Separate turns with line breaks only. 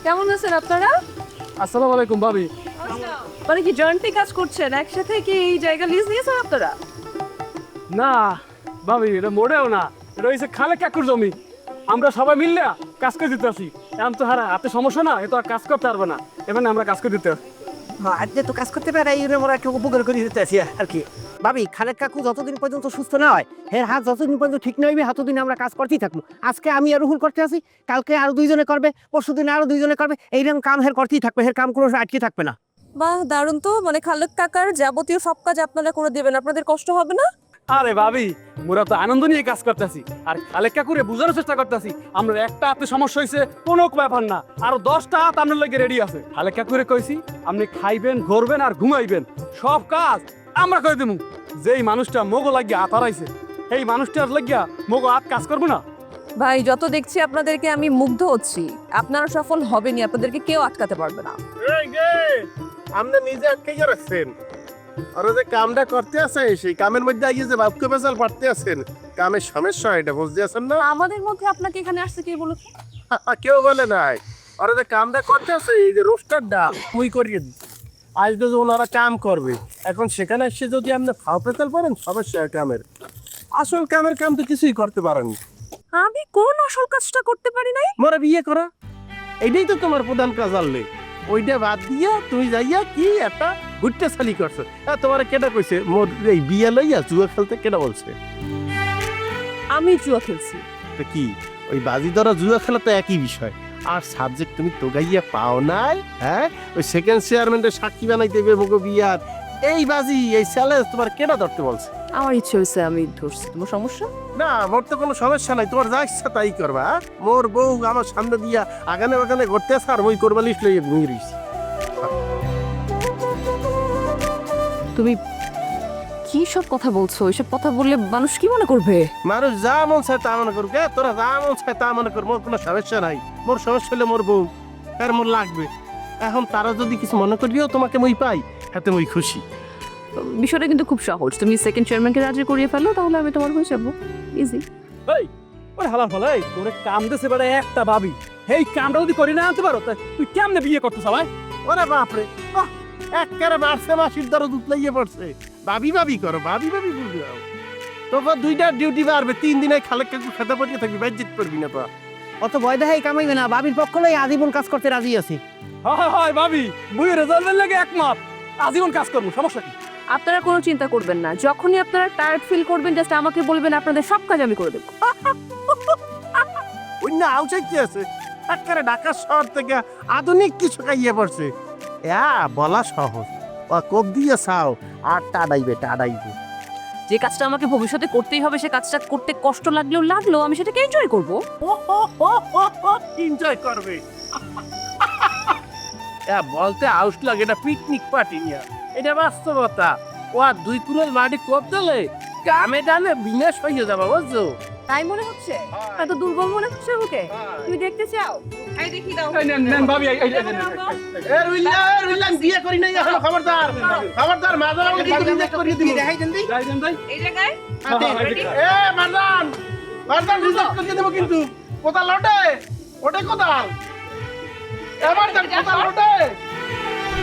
কেমন আছেন আপনারা?
আসসালামু আলাইকুম ভাবি।
মানে কি জয়েন্টলি কাজ করছেন? একসাথে কি এই জায়গা লিজ নিয়েছেন আপনারা?
না ভাবি, এটা মোড়েও না, এটা হচ্ছে খালে কাকুর জমি। আমরা সবাই মিললে কাজ করে দিতে আসি। এখন তো হারা হাতে সমস্যা না, এ তো আর কাজ করতে পারবে না, এখানে আমরা কাজ করে দিতে আসি।
আজকে তো কাজ করতে পারে, এই আমরা একটু উপকার করে দিতে আছি আর কি। ভাবি, খালেক কাকু যতদিন পর্যন্ত সুস্থ না হয়, এর হাত যতদিন পর্যন্ত ঠিক না হইবে, ততদিন আমরা কাজ করতেই থাকবো। আজকে আমি আর রুহুল করতে আছি, কালকে আরো দুইজনে করবে, পরশু দিন আরো দুইজনে করবে, এইরকম কাম হের করতেই থাকবে, হের কাম কোনো আটকে থাকবে না।
বাহ, দারুণ তো। মানে খালেক কাকার যাবতীয় সব কাজ আপনারা করে দেবেন, আপনাদের কষ্ট হবে না?
আরে ভাবি, মোরা তো আনন্দ নিয়ে কাজ করতেছি, আর খালেক কাকুরে বোঝানোর চেষ্টা করতেছি আমরা একটা হাতে সমস্যা হয়েছে কোনো ব্যাপার না, আরো 10টা হাত আপনার লাগে রেডি আছে। খালেক কাকুরে কইছি আপনি খাইবেন, ঘুরবেন আর ঘুমাইবেন, সব কাজ আমরা করে দেবো। যেই মানুষটা মোগো লাগিয়া হাত হারাইছে, এই মানুষটার লাগিয়া মোগো হাত কাজ করবো না।
ভাই, যত দেখছি আপনাদেরকে আমি মুগ্ধ হচ্ছি। আপনারা সফল হবেনই, আপনাদেরকে কেউ আটকাতে পারবে না।
আপনি নিজে আটকাই রাখছেন, আর যে কামটা করতে আছে সেই কামের মধ্যে আইয়ে যে বাপকে বেজাল পারতে আছেন, কামের সমস্যা এটা বুঝতে আছেন না?
আমাদের মধ্যে আপনাকে এখানে আসতে কে বলেছে?
কেউ বলে নাই। আর যে কামটা করতে আছে এই যে রোস্টারটা মুই করিয়ে দিই, আজ তো ওনারা কাম করবে, এখন সেখানে এসে যদি আপনি ফাও পেতাল পারেন সমস্যা কামের। আসল কামের কাম তো কিছুই করতে পারেন।
আমি কোন আসল কাজটা করতে পারি নাই?
মোরা বিয়ে করা, এইটাই তো তোমার প্রধান কাজ। আনলে ওইটা বাদ দিয়া তুমি যাইয়া কি একটা ঘুরতে চালি করছো। তোমার কেটা কইছে মোর এই বিয়ে লইয়া জুয়া খেলতে, কেটা বলছে?
আমি জুয়া খেলছি?
তো কি ওই বাজি ধরা জুয়া খেলা তো একই বিষয়। আর সাবজেক্ট তুমি তোগাইয়া পাও নাই, হ্যাঁ? ওই সেকেন্ড চেয়ারম্যানের সাক্ষী বানাইতে দেবে মুগো বিয়ার, এই বাজি এই চ্যালেঞ্জ তোমার কেটা ধরতে বলছে?
আমার ইচ্ছে হয়েছে, আমি ধরছি। তোমার সমস্যা?
না, মোর তো কোনো সমস্যা নাই, তোমার যা ইচ্ছা তাই করবা। মোর বউ আমার সামনে দিয়া আগানে বাগানে ঘুরতে আসে আর ওই করবা লিস্ট লইয়া ঘুমিয়ে রইছি।
তুমি কি সব কথা বলছো? এসব কথা বললে মানুষ কি মনে করবে?
মানুষ যা মন চায় তা মনে করুক, তোরা যা মন চায় তা মনে কর, মোর কোনো সমস্যা নাই। মোর সমস্যা হলে মোর বউ, আর মোর লাগবে। এখন তারা যদি কিছু মনে করিও তোমাকে মই পাই, হাতে মই খুশি।
বিষয়টা কিন্তু খুব সহজ। তুমি সেকেন্ড চেয়ারম্যানকে রাজি করিয়ে ফেলো, তাহলে আমি তোমার হয়ে যাবো। ইজি।
এই ওরে হালার ফলাই তোরে কাম দেছে বেড়ে একটা ভাবি, এই কামটা যদি করি না আনতে পারো তা তুই কেমনে বিয়ে করতে সবাই?
ওরে বাপরে, একেবারে মারছে মাসির দ্বারা দুধ লাগিয়ে পড়ছে। ভাবি ভাবি করো, ভাবি ভাবি বুঝাও। তোর দুইটা ডিউটি বাড়বে, 3 দিনে খালেক কাকু খেতে পড়িয়ে থাকবি, বাইজিত করবি না তো।
অত ভয় দেখাই কামাইবে না, ভাবির পক্ষ লই আজীবন কাজ করতে রাজি আছি।
হয় হয় ভাবি, মুই রেজাল্টের লাগে একমত, আজীবন কাজ করবো, সমস্যা কি?
আপনারা কোনো চিন্তা করবেন না। যখনই আপনারা টায়ার্ড ফিল করবেন, জাস্ট আমাকে বলবেন, আপনাদের সব কাজ আমি করে দেবো।
অন্য আউচাই কি আছে, একেবারে ঢাকা শহর থেকে আধুনিক কিছু খাইয়ে পড়ছে। বলা সহজ, ও কোপ দিয়ে চাও আর টাডাইবে।
যে কাজটা আমাকে ভবিষ্যতে করতেই হবে, সে কাজটা করতে কষ্ট লাগলেও আমি সেটাকে এনজয় করবো।
এনজয় করবে। বলতে আউস লাগে, এটা পিকনিক পার্টি নিয়ে, এটা বাস্তবতা। ও আর 2 কুড়োল মাটি কোপ দিলে কামে ডালে বিনাশ হয়ে যাবে, বুঝছো?
তাই মনে হচ্ছে? এত দুর্বল মনে হচ্ছে ওকে? তুমি দেখতে চাও? এই দেখি দাও।
নেন ভাবি,
বিয়ে করি নাই এখনো, খবরদার খবরদার, মাজার আমাকে রিজেক্ট করিয়ে দিবি। দেখাই দেন দিই
এই জায়গায়
মারদান মারদান রিজেক্ট করিয়ে দেব কিন্তু। কোথাল ওঠে কোথাল, এবার কোথাল ওঠে।